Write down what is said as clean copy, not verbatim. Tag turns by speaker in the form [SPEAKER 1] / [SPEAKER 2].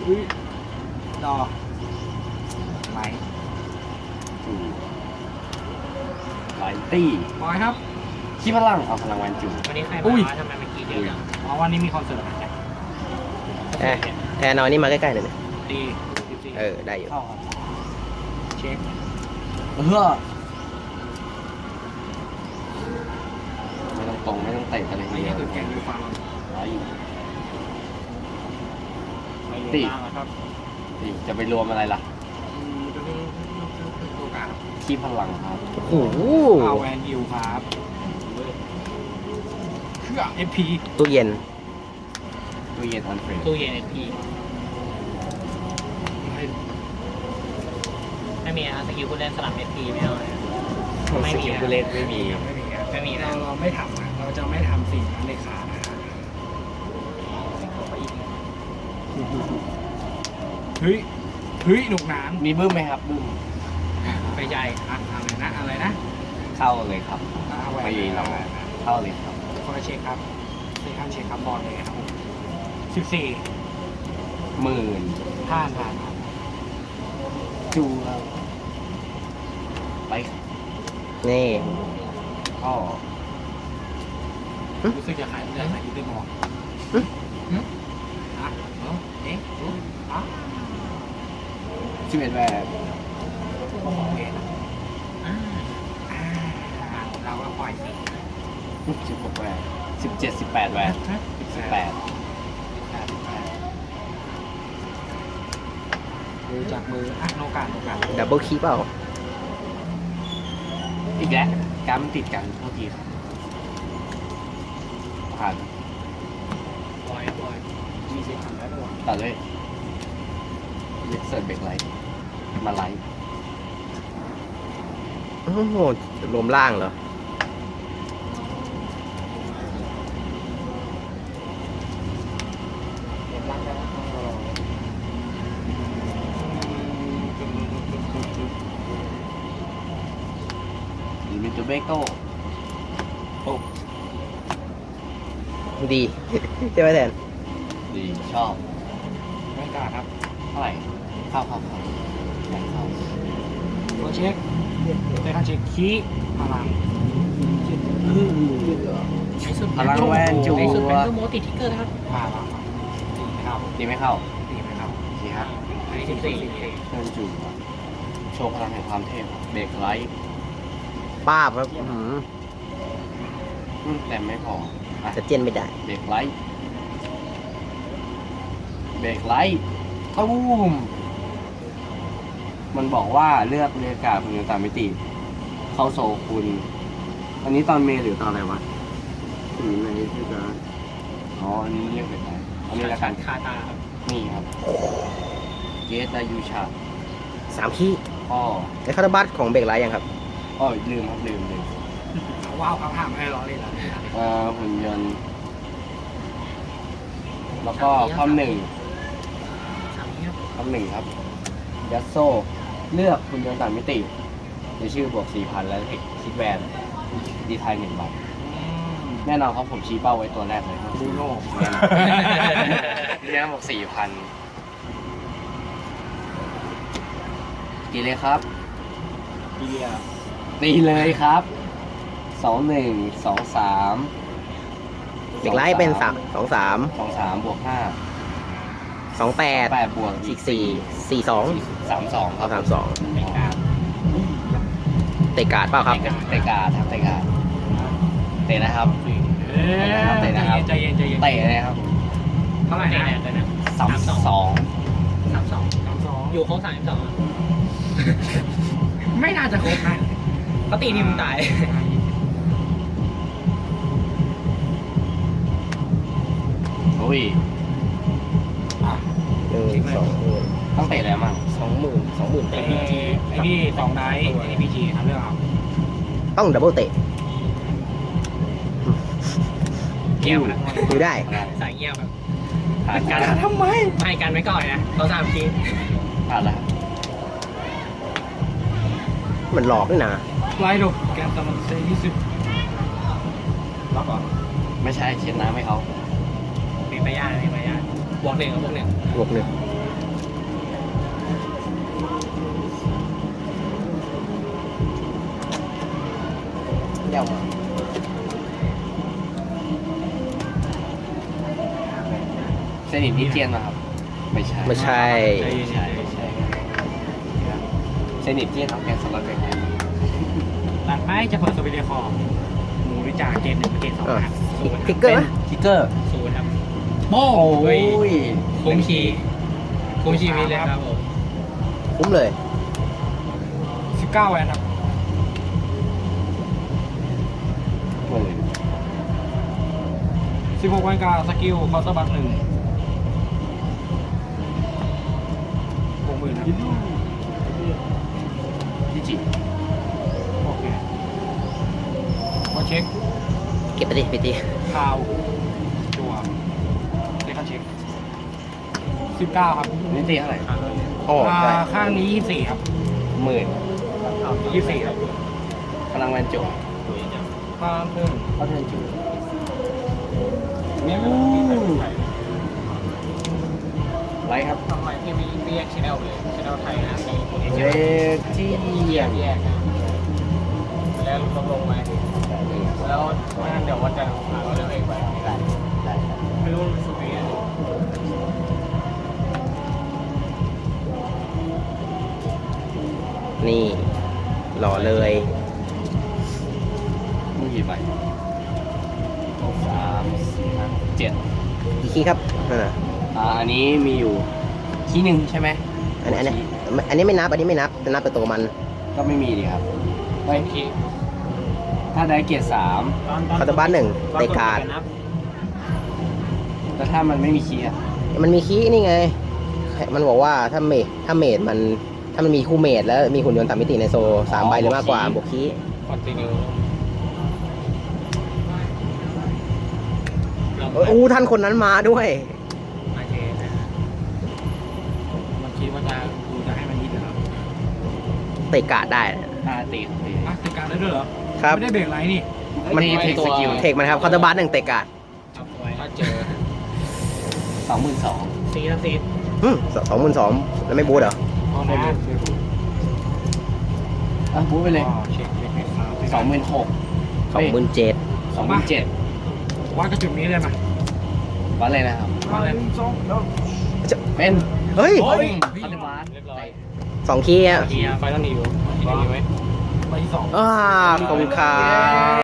[SPEAKER 1] ดอไหล
[SPEAKER 2] ไลตี้
[SPEAKER 1] บอยครับ
[SPEAKER 2] ขี้พลังเอาพลังวันจู
[SPEAKER 3] วันนี้ใคร
[SPEAKER 1] อุ้
[SPEAKER 3] มาย ทำไมเมื่อกี้เดียวจัง
[SPEAKER 1] อ๋อวันนี้มีคอนเสิร์ตนะ
[SPEAKER 4] แทนเอานี่มาใกล้ๆหน่อยนะ
[SPEAKER 1] ดี
[SPEAKER 4] ได้อยู่
[SPEAKER 2] เข้าครับ
[SPEAKER 1] เช็ค
[SPEAKER 2] ไม่ต้องตรงไม่ต้องเตะกันเลย
[SPEAKER 1] ไอ้
[SPEAKER 2] ทีเดี
[SPEAKER 1] นี่
[SPEAKER 2] ยว
[SPEAKER 1] คือแกงดูฟัง
[SPEAKER 2] ร้อยอยู่
[SPEAKER 1] ไม่รู้
[SPEAKER 2] ตี
[SPEAKER 1] บ้างนะครับ
[SPEAKER 2] ตีจะไปรวมอะไรล่ะ
[SPEAKER 1] ตัวกลาง
[SPEAKER 2] ขี้พลังครับ
[SPEAKER 4] โอ้โห
[SPEAKER 1] เอาแวนยูครับเครื่อง FP
[SPEAKER 4] ตู้เย็น
[SPEAKER 2] ตู้เย็นออนเฟรน
[SPEAKER 3] ตู้เย็นเอพีไม่มีนะสกิลผู้เล่นสลับเอพีไม่เอาเลย ไม่มี
[SPEAKER 2] สกิลผู้เล่นไม่มี
[SPEAKER 1] ไม่มีครับ
[SPEAKER 3] ไม่มีนะ
[SPEAKER 1] เราไม่ทำนะเราจะไม่ทำสิ่งนั้นเลยค่ะเฮ้ยหนุกหนาน
[SPEAKER 2] มีบึ้มไหมครับบึ้ม
[SPEAKER 1] ไปใหญ่อะไรนะ
[SPEAKER 2] เข้าเลยครับ
[SPEAKER 1] เอาแวน
[SPEAKER 2] ไม่มีเราเข้าเลยครับ
[SPEAKER 1] คอยเช็คครับเช็คขั้นเช็คครับบอลเลยครับ14
[SPEAKER 2] 10,000
[SPEAKER 1] ผ่าน
[SPEAKER 2] จูครับไป
[SPEAKER 4] นี่
[SPEAKER 2] ก็
[SPEAKER 1] รู้สึกจะขายเนื้อขายยูเป็นหมอกอ่ะเอ๊ะอ่ะ
[SPEAKER 2] 11แบบ
[SPEAKER 1] โอเค
[SPEAKER 3] อ่า
[SPEAKER 1] เราก็ปล่อยสิ
[SPEAKER 2] 16แบบ17 18แบบ18
[SPEAKER 1] ดูจากมืออ่ะโนกา
[SPEAKER 4] ดับเบิลคีย์เปล่า
[SPEAKER 2] อีกแล้วการมันติดกันเท่าทีครับผ่าน
[SPEAKER 3] บอย
[SPEAKER 1] มีสิทธิ์ทำได้ด้วย
[SPEAKER 2] ตัดเลยเล็กเสิร์ฟเบรกไลท์มาไลท์
[SPEAKER 4] โอ้โหรวมล่างเหรอ
[SPEAKER 1] เห็นร่างได้แล้วต้องรอ
[SPEAKER 2] หรือมิตูเบโก้
[SPEAKER 4] ดี ใช่ไหมแทน
[SPEAKER 2] ดีชอบ
[SPEAKER 1] ไม่กล้าครับ
[SPEAKER 2] เท่าไหร่เข้าแข่งเข้า
[SPEAKER 1] ตัวเช็คแต่ถ้าเช็คคีย์พลัง
[SPEAKER 3] ใช้สุด
[SPEAKER 2] พลังแวนจู
[SPEAKER 3] ใช้สุดเป็นตู้โมติทิกเกอร์นะครับ
[SPEAKER 1] ตีไม่เข้า
[SPEAKER 2] ดีไหมเข้า
[SPEAKER 1] ตีไม่เข้า
[SPEAKER 2] ดีฮะ
[SPEAKER 3] อันนี้14
[SPEAKER 2] เชิญจูโชว์พลังแห่งความเทพเบรกไลท์
[SPEAKER 4] ป้าบครับอื้อหือ
[SPEAKER 2] แต่ไม่พออ่ะ
[SPEAKER 4] จะเจนไม่ได้
[SPEAKER 2] เบรกไลท์เบรกไลท์ตูมมันบอกว่าเลือกเรียกกาศคุณตามมิติ เข้าโซคุณ อันนี้ตอนเมย์หรือตอนอะไรวะในที่จะอ๋ออันนี้เรียกเป็นอะไรอันนี้ละกัน
[SPEAKER 3] คาตาครับ
[SPEAKER 2] นี่ครับเกตอายุชา
[SPEAKER 4] 3 คีย์
[SPEAKER 2] อ้อ
[SPEAKER 4] ในคาร์บัสของเบรกไลท์ยังครับ
[SPEAKER 2] อ้อลืมครับลืม
[SPEAKER 1] ว้าวเขาห้ามไม่ให้ล้อเล่นแล้ว
[SPEAKER 2] หุ่นยนต์แล้วก็ข้อหนึ่ง
[SPEAKER 3] 3นี้ครับ
[SPEAKER 2] ข้อหนึ่งครับยัสโซเลือกหุ่นยนต์ต่างมิติในชื่อบวก 4,000 แล้วคิดแวนดีไทย1 บาทแน่นอนครับผมชี้เป้าไว้ตัวแรกเลยครับ
[SPEAKER 1] บูโน่
[SPEAKER 2] แน่นอนบอก 4,000กี่เลยครับ
[SPEAKER 1] เบียร์
[SPEAKER 2] ตีเลยครับ 21 23
[SPEAKER 4] เบรกไลท์เป็น3 2 3
[SPEAKER 2] 23บวก5
[SPEAKER 4] 2 8
[SPEAKER 2] 8บวก
[SPEAKER 4] อีก4 4 2
[SPEAKER 2] 32ครับ
[SPEAKER 4] 3 2
[SPEAKER 3] ไม่กล้า
[SPEAKER 4] เตะการ์ดเปล่าครับ
[SPEAKER 2] เตะการ์ดครับเตะการ์ดเตะนะครับ
[SPEAKER 1] ใจเย็น
[SPEAKER 2] เตะนะครับ
[SPEAKER 1] เท่าไหร่
[SPEAKER 3] ไม่
[SPEAKER 1] นะ
[SPEAKER 3] แน่เลยนะ
[SPEAKER 2] 32
[SPEAKER 3] 32อยู่ครบ32
[SPEAKER 1] ไม่น่าจะครบนะ
[SPEAKER 3] เขาตีทีมตาย
[SPEAKER 2] โอ้ย
[SPEAKER 4] 1 2
[SPEAKER 2] ต้องเตะอะไรมั่ง
[SPEAKER 4] 20,000 20,000
[SPEAKER 1] ไอ้
[SPEAKER 4] เตะ
[SPEAKER 1] นี่2 ไนท์ไอ้นี่พีจีทำเรื่องเอา
[SPEAKER 4] ต้องดับเบิลเตะ
[SPEAKER 3] เกี่ยวนะ
[SPEAKER 4] ดูได้
[SPEAKER 3] สายเงียบแบบ
[SPEAKER 2] ผ่านกัน
[SPEAKER 1] ทำไม
[SPEAKER 3] ไม่กันไว้ก่อนนะเขา3ที
[SPEAKER 2] ผ่านแล้ว
[SPEAKER 4] มันหลอกด้วยนะ
[SPEAKER 1] ไล่ดูแกนตมันเซ20ล็อกเหรอ
[SPEAKER 2] ไม่ใช่เช็ดน้ำให้เขา
[SPEAKER 3] มีใบญาติบวก 1กับบวก 1
[SPEAKER 4] บวก 1
[SPEAKER 2] ก้วมาเซนิตนิเจียนมาครับ ไม่ใช่
[SPEAKER 4] ไม่ใช่
[SPEAKER 2] ไม่ใช่เซนิตเจียนทำแกนสล็อตไปไหน
[SPEAKER 1] หลังไม้จะเปิดสวิตเดอร์คอร์หมูหรือจ่าเกมหนึ่งเกมสองครับ
[SPEAKER 4] ทิกเกอร์ไหม
[SPEAKER 2] ทิกเกอร์
[SPEAKER 1] ศูนย์ครับ
[SPEAKER 2] โอ้ย
[SPEAKER 1] คุ้มชีวิตเลยครับผม
[SPEAKER 4] คุ้มเลย
[SPEAKER 1] 19 แวนครับ
[SPEAKER 2] หมื่น
[SPEAKER 1] 16 แวนการสกิลเคาน์เตอร์บัค1 60,000ครับ
[SPEAKER 2] พี่จิ
[SPEAKER 1] โอเคมาเช็ค
[SPEAKER 4] เก็บไปดิไปดิ
[SPEAKER 1] ข่าวจัวเลขาเช็ค 19 ครับ
[SPEAKER 2] นี่ตีเท่าไหร่
[SPEAKER 4] โอ้ใช่
[SPEAKER 1] ข้างนี้ 24 ครับ
[SPEAKER 2] หมื่น
[SPEAKER 1] 24 ครับ
[SPEAKER 2] พลังแวนจุ
[SPEAKER 1] ข้างเพิ่ม
[SPEAKER 2] เขาเทิร์นจุไรครับ
[SPEAKER 3] ทำไมพี่ไม่แยกชแนลเลยชแนลไทยนะในคนเอเจ
[SPEAKER 2] เร
[SPEAKER 3] นต์
[SPEAKER 2] ที่
[SPEAKER 3] แยกนะแล้วลงมาแล้วไม่งั้นเดี๋ยววันจันทร์หาเราเรื่องเองไปไม่ได้ไม่รู้มันสุดยัง
[SPEAKER 4] นี่หล่อเลย
[SPEAKER 2] มีกี่ใบ3 4 5 7
[SPEAKER 4] กี่คีย์ครับนั่นน่ะ
[SPEAKER 2] อันนี้มีอยู่ที่หนึ่งใช่ไหม
[SPEAKER 4] อันนี้ไม่นับ อันนี้ไม่นับจะนับแต่ตัวมัน
[SPEAKER 2] ก็ไม่มีดีครับเฮ้ยถ้าได้เกียรติ3
[SPEAKER 4] คาร์ดบ้านหนึ่งเตะการ์ด
[SPEAKER 2] แล้วถ้ามันไม่มีคีย์อะ
[SPEAKER 4] มันมีคีย์นี่ไง มันบอกว่าถ้าเมดมันถ้ามันมีคู่เมดแล้วมีหุ่นยนต์ต่างมิติในโซ3 ใบหรือมากกว่าบวกคีย์
[SPEAKER 3] คอนติเนีย
[SPEAKER 4] อู้ท่านคนนั้นมาด้วย
[SPEAKER 1] มาเทนะมันคิดว่ากูจะให้มันยิดเหรอ
[SPEAKER 4] เตะการ์ดได้
[SPEAKER 2] ตี
[SPEAKER 1] อ่ะติดการได้ด้วยเหรอ
[SPEAKER 4] ครับ
[SPEAKER 1] ไม่ได้เบรกไรนี่
[SPEAKER 4] มัน
[SPEAKER 2] ตีเทคสกิล
[SPEAKER 4] เทคมันครับคาร์ดบ้านหนึ่งเตะการ์ด
[SPEAKER 3] ถ้าเจอ
[SPEAKER 2] 22,000
[SPEAKER 3] ซีทั้งซี
[SPEAKER 4] 22,000แล้วไม่บูทเหรอ
[SPEAKER 1] พอนะ
[SPEAKER 2] อ่ะบู๊ไปเลย
[SPEAKER 1] เช็คครับ
[SPEAKER 2] 26,000
[SPEAKER 4] 27,000
[SPEAKER 2] 27,000
[SPEAKER 1] วัดกระจุดนี้เลยไหม
[SPEAKER 2] วัดเลยนะครับ
[SPEAKER 1] วัดเลย
[SPEAKER 2] เป็น
[SPEAKER 4] เฮ้ย
[SPEAKER 1] โอ้ย
[SPEAKER 2] คาร์ดบาส
[SPEAKER 3] เรียบร้อย
[SPEAKER 4] 2 คีย์อะ
[SPEAKER 3] ไฟต้องนิวที่นิวไหม
[SPEAKER 1] ไปที่2
[SPEAKER 4] ขอบคุณครับ